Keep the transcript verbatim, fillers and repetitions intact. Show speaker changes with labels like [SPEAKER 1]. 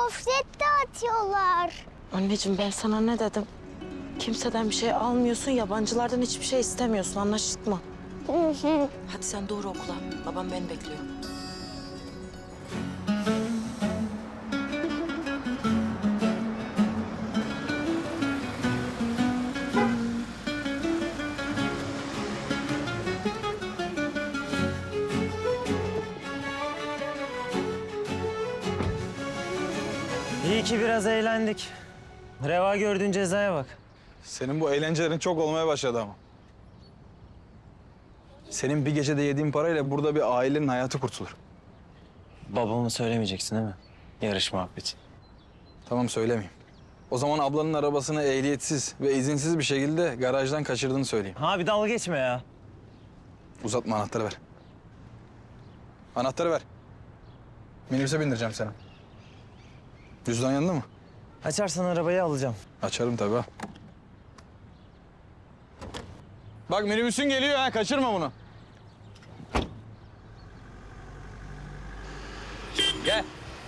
[SPEAKER 1] gofret dağıtıyorlar.
[SPEAKER 2] Anneciğim ben sana ne dedim? Kimseden bir şey almıyorsun, yabancılardan hiçbir şey istemiyorsun. Anlaştık mı?
[SPEAKER 1] Hı hı.
[SPEAKER 2] Hadi sen doğru okula. Babam beni bekliyor.
[SPEAKER 3] İyi ki biraz eğlendik. Reva gördüğün cezaya bak.
[SPEAKER 4] Senin bu eğlencelerin çok olmaya başladı ama. Senin bir gecede yediğin parayla burada bir ailenin hayatı kurtulur.
[SPEAKER 3] Babamı söylemeyeceksin değil mi? Yarış muhabbeti.
[SPEAKER 4] Tamam, söylemeyeyim. O zaman ablanın arabasını ehliyetsiz ve izinsiz bir şekilde garajdan kaçırdığını söyleyeyim.
[SPEAKER 3] Abi dalga geçme ya.
[SPEAKER 4] Uzatma, anahtarı ver. Anahtarı ver. Minibüse bindireceğim seni. Cüzdan yanında mı?
[SPEAKER 3] Açarsan arabayı alacağım.
[SPEAKER 4] Açarım tabii ha. Bak minibüsün geliyor ha, kaçırma bunu. Gel.